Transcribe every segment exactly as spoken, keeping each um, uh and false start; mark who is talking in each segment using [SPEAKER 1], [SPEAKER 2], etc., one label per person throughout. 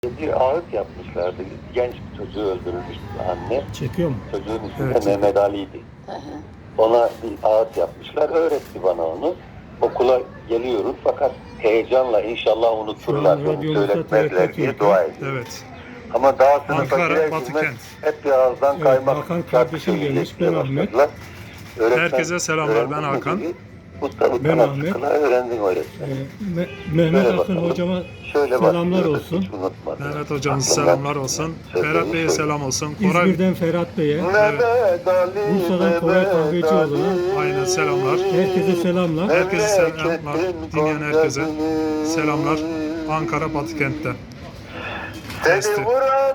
[SPEAKER 1] Bir ağıt yapmışlardı. Genç bir çocuğu öldürmüş anne.
[SPEAKER 2] Çekiyor mu?
[SPEAKER 1] Çocuğun ismi
[SPEAKER 2] Evet,
[SPEAKER 1] de Mehmet Ali'ydi. Ona bir ağıt yapmışlar. Öğretti bana onu. Okula geliyoruz fakat heyecanla inşallah unuturlar.
[SPEAKER 2] Şu an
[SPEAKER 1] Beni
[SPEAKER 2] radyomuzda
[SPEAKER 1] söyletmezler
[SPEAKER 2] T R T
[SPEAKER 1] diye
[SPEAKER 2] Türkiye.
[SPEAKER 1] dua ediyorum.
[SPEAKER 3] Evet.
[SPEAKER 1] Ama daha sınıfa
[SPEAKER 3] Ankara,
[SPEAKER 1] girer
[SPEAKER 3] Batı
[SPEAKER 1] girmez
[SPEAKER 3] Kent.
[SPEAKER 1] hep bir ağızdan
[SPEAKER 2] Evet,
[SPEAKER 1] kaymak.
[SPEAKER 2] Hakan
[SPEAKER 1] şarkı
[SPEAKER 2] kardeşim gelmiş,
[SPEAKER 1] söyleyecekler
[SPEAKER 2] ben Ahmet.
[SPEAKER 1] başladılar. Öğretmen,
[SPEAKER 3] Herkese selamlar,
[SPEAKER 1] öğrendin
[SPEAKER 3] ben
[SPEAKER 1] mi
[SPEAKER 3] Hakan.
[SPEAKER 1] dedi. Usta
[SPEAKER 2] Ben
[SPEAKER 1] ben
[SPEAKER 2] Ahmet.
[SPEAKER 1] öğrendin öğretmen.
[SPEAKER 2] Ee, Me- Mehmet
[SPEAKER 1] Şöyle
[SPEAKER 2] Akın
[SPEAKER 1] bakalım.
[SPEAKER 2] hocama
[SPEAKER 1] Şöyle
[SPEAKER 2] selamlar
[SPEAKER 1] başlıyorduk,
[SPEAKER 2] olsun.
[SPEAKER 1] hiç unutmadım.
[SPEAKER 3] Mehmet hocamız
[SPEAKER 1] Aklımdan
[SPEAKER 3] selamlar olsun.
[SPEAKER 1] sözleri
[SPEAKER 3] Ferhat Bey'e
[SPEAKER 1] söyle.
[SPEAKER 3] selam olsun. Koray,
[SPEAKER 2] İzmir'den Ferhat Bey'e,
[SPEAKER 1] Mehmet Ali,
[SPEAKER 2] Bursa'dan Koray
[SPEAKER 1] Mehmet
[SPEAKER 2] Kahvecioğlu'na
[SPEAKER 1] Ali.
[SPEAKER 3] aynen selamlar.
[SPEAKER 2] herkese selamlar.
[SPEAKER 3] Herkese selamlar. Dinleyen herkese selamlar. Ankara Batı Kent'ten.
[SPEAKER 1] Seni vuran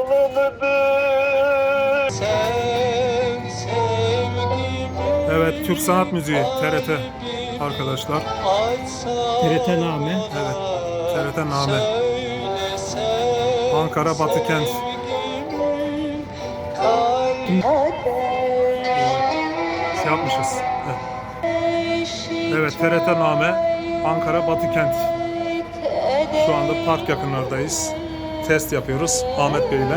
[SPEAKER 1] dağlıdır.
[SPEAKER 3] Evet, Türk Sanat Müziği T R T arkadaşlar.
[SPEAKER 2] T R T Name.
[SPEAKER 3] Evet, T R T Name. Ankara Batı Kent. Şey yapmışız. Evet, evet T R T Name. Ankara Batı Kent. Şu anda park yakınlardayız. Test yapıyoruz Ahmet Bey ile.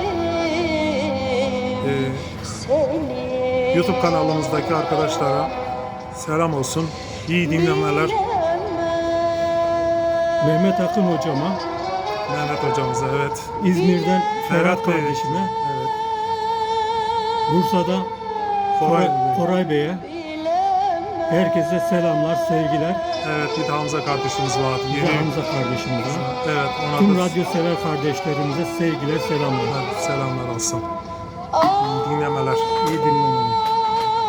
[SPEAKER 3] Ee, YouTube kanalımızdaki arkadaşlara selam olsun. İyi dinlemeler
[SPEAKER 2] Mehmet Akın hocama,
[SPEAKER 3] Mehmet hocamıza. Evet.
[SPEAKER 2] İzmir'den Ferhat
[SPEAKER 3] Ferhat Bey.
[SPEAKER 2] kardeşime,
[SPEAKER 3] Evet.
[SPEAKER 2] Bursa'dan
[SPEAKER 3] Koray.
[SPEAKER 2] Koray, Koray Bey'e herkese selamlar, sevgiler.
[SPEAKER 3] Evet, bir de Hamza kardeşimiz var.
[SPEAKER 2] Bir de
[SPEAKER 3] Yeni.
[SPEAKER 2] Hamza kardeşimize.
[SPEAKER 3] Evet, ona
[SPEAKER 2] Tüm
[SPEAKER 3] da
[SPEAKER 2] radyo sever kardeşlerimize sevgiler, selamlar.
[SPEAKER 3] selamlar olsun. İyi dinlemeler.
[SPEAKER 2] İyi dinlemeler.